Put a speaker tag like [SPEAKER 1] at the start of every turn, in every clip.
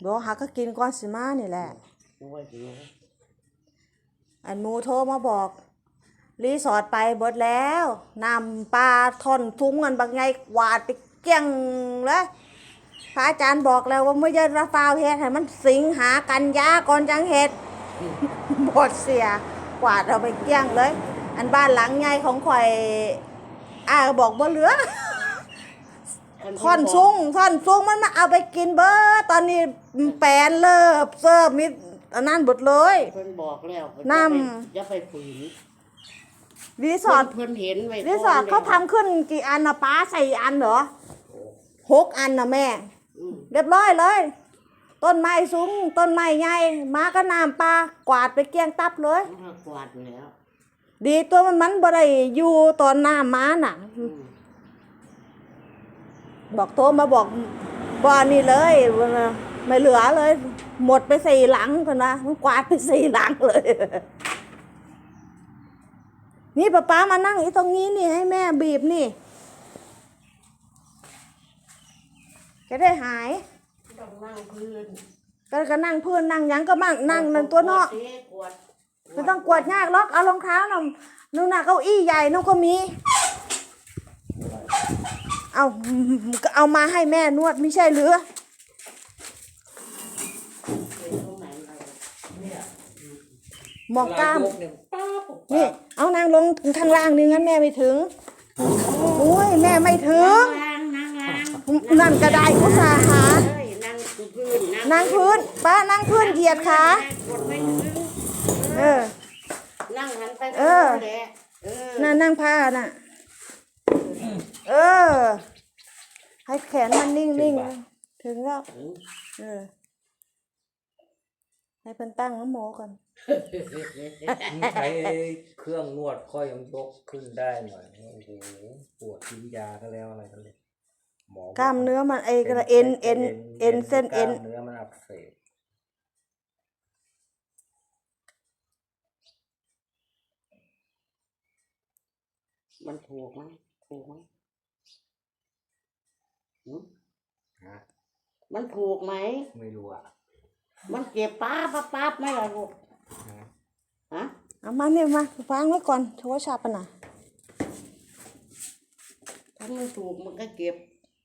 [SPEAKER 1] เดี๋ยวหาก็กินก่อนสิมานี่แหละอันหมูโทรมาบอกรีสอร์ทไปเบิดแล้วนำปลาท่อนทุ้งกันบางไงกวาดไปเกี้ยงเลยพระอาจารย์บอกแล้วว่าไม่ใช่ระฟาวเฮ็ดให้มันสิงหากันยาก่อนจังเฮ็ดบดเสียกวาดเอาไปเกี้ยงเลยอันบ้านหลังใหญ่ของข่อยบอกบ่เหลือท่อนซุ้งมันมาเอาไปกินเบอร์ตอนนี้แปลนเลิบเสิร์ฟมิอันนั้นหมดเลย
[SPEAKER 2] เพิ่นบอกแล้ว
[SPEAKER 1] น้
[SPEAKER 2] ำอย่าไปฝืน
[SPEAKER 1] รีสอร์ท
[SPEAKER 2] เพิ่นเห็นไว้
[SPEAKER 1] รีสอร์ทเขาทำขึ้นกี่อันนะป้า4 อันเหรอ6 อันนะแม่เรียบร้อยเลยต้นไม้สูงต้นไม้ใหญ่มาก็น้ำปลากวาดไปเกลี้ยงตับเลย
[SPEAKER 2] กวาดแล้ว
[SPEAKER 1] ดีตัวมันบ่ได้อยู่ตอนน้ำมาน่ะบอกโทรมาบอกบ่อนี่เลยไม่เหลือเลยหมดไป4 หลังกันนะมันกวาดไป4 หลังเลยนี่ป้ามานั่งอีตรงนี้นี่ให้แม่บีบนี่จะได้หาย
[SPEAKER 2] ต้องนั่งพื้น
[SPEAKER 1] ก็นั่งพื้นนั่งยังก็มั่งนั่งนั่นตัวเนาะไม่ต้องกวาดยากหรอกเอารองเท้าหน่อยนู่นน่ะเก้าอี้ใหญ่นู่นก็มีเอามาให้แม่นวดไม่ใช่หรือหมอกกล้ามนี่เอานางลงข้างล่างนี่งั้นแม่ไม่ถึงโอ้ยแม่ไม่ถึงนั่นกระไดอุตสาหะนั่งพื้นป้านั่งพื้นเหยียดขา
[SPEAKER 2] นั่งหันไป
[SPEAKER 1] นั่งผ้าน่ะให้แขนมันนิ่งๆถึงแล้วให้เพิ่นตั้งน้ำโมก่อน
[SPEAKER 3] ใช้เครื่องนวดก็ยังยกขึ้นได้หน่อยโอ้โหปวดกินยาก็แล้วอะไรกันเลย
[SPEAKER 1] กล้ามเนื้อมันกระเอ็นเส้นเอ็น
[SPEAKER 3] เนื้อมันอักเสบ
[SPEAKER 2] มันถูกไหมมันถูกไหม
[SPEAKER 3] ไม่รู้อ่ะ
[SPEAKER 2] มันเจ็บป๊าบไหมล่ะลูกฮะ
[SPEAKER 1] เอามาเนี่ยมาฟังไว้ก่อนโทรศัพท์ปะนะ
[SPEAKER 2] ถ้ามันถูกมันก็เจ็บ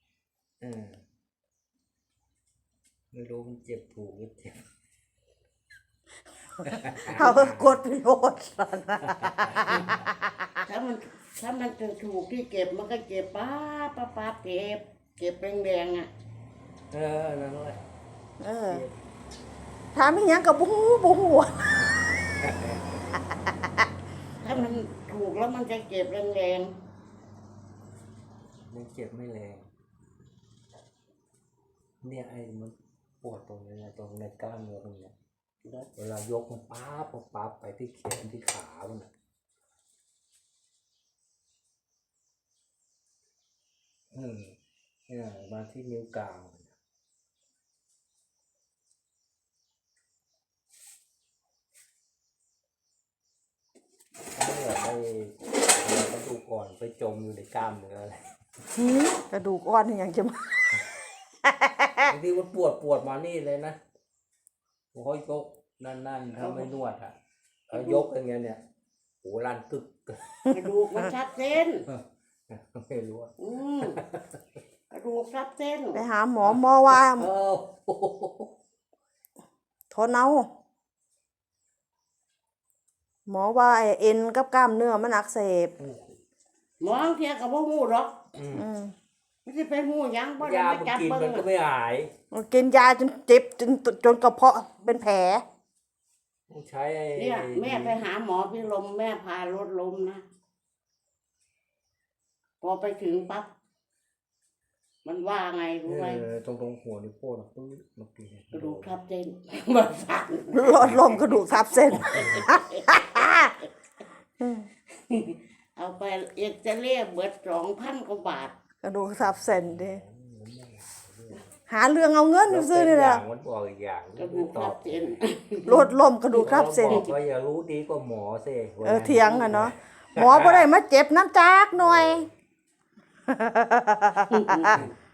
[SPEAKER 3] ไม่รู้มันเจ็บถูกหรือเจ็บ
[SPEAKER 1] เอากดโลด
[SPEAKER 2] ถ้ามันถูกที่เจ็บมันก็เจ็บป๊าบเจ็บแดงอ่ะ
[SPEAKER 3] นั่นแหละ
[SPEAKER 1] ถามอีหยังกับบู๊
[SPEAKER 2] ถ้ามันถูกแล้วมันจะเจ็บแรง
[SPEAKER 3] ไม่เจ็บไม่แรงเนี่ยมันปวดตรงนี้นะตรงในกล้ามเนื้อตรงนี้เวลายกมันป๊าบไปที่แขนที่ขามันเนี่ยมาที่นิ้วกลางกระดูกอ่อนไปจมอยู่ในกล้ามเนื้ออะไร
[SPEAKER 1] กระดูกอ่อนอย่างจะมา
[SPEAKER 3] บางทีมันปวดมานี่เลยนะผมค่อยยกนั่นถ้าไม่นวดอ่ะยกอย่างเงี้ยเนี่ยโหลั่นตึก
[SPEAKER 2] กระดูกมันชัดเจน
[SPEAKER 3] ไม่รู้
[SPEAKER 2] กระดูกชัดเจน
[SPEAKER 1] ไปหาหมอว่าทนเอาหมอว่าเอ็นกับกล้ามเนื้อมันอักเสบ
[SPEAKER 2] หมอเทียกับพวกหูหรอกไม่ใช่ไปหูยังเพราะ
[SPEAKER 3] ยากินมันก็ไม่หาย
[SPEAKER 1] กินยาจนเจ็บจนกระเพาะเป็นแผล
[SPEAKER 3] ใช้
[SPEAKER 2] เนี่ยแม่ไปหาหมอพี่ลมแม่พารถล้มนะพอไปถึงปั๊บมันว่าไงรู้ไหม
[SPEAKER 3] ตรงหัวนิ้วโป้งปื้ดเมื่อกี้
[SPEAKER 2] กระดูกทับเส้นมันสั่น
[SPEAKER 1] หลอดลมกระดูกทับเส้น
[SPEAKER 2] เอาไปเอกจะเรียกเบิด2,000 กว่าบาท
[SPEAKER 1] กระดูกทับเส้นดิหาเรื่องเอาเงินซื้อนี่แหละ
[SPEAKER 3] มันบอกอีกอย่าง
[SPEAKER 2] กระดูกทับเส้น
[SPEAKER 1] ลดลมกระดูกทับเส้น
[SPEAKER 3] ก็อย่ารู้ดีกว่าหมอสิ
[SPEAKER 1] เถียงอ่ะเนาะหมอบ่ได้มาเจ็บน้ำจากหน่อย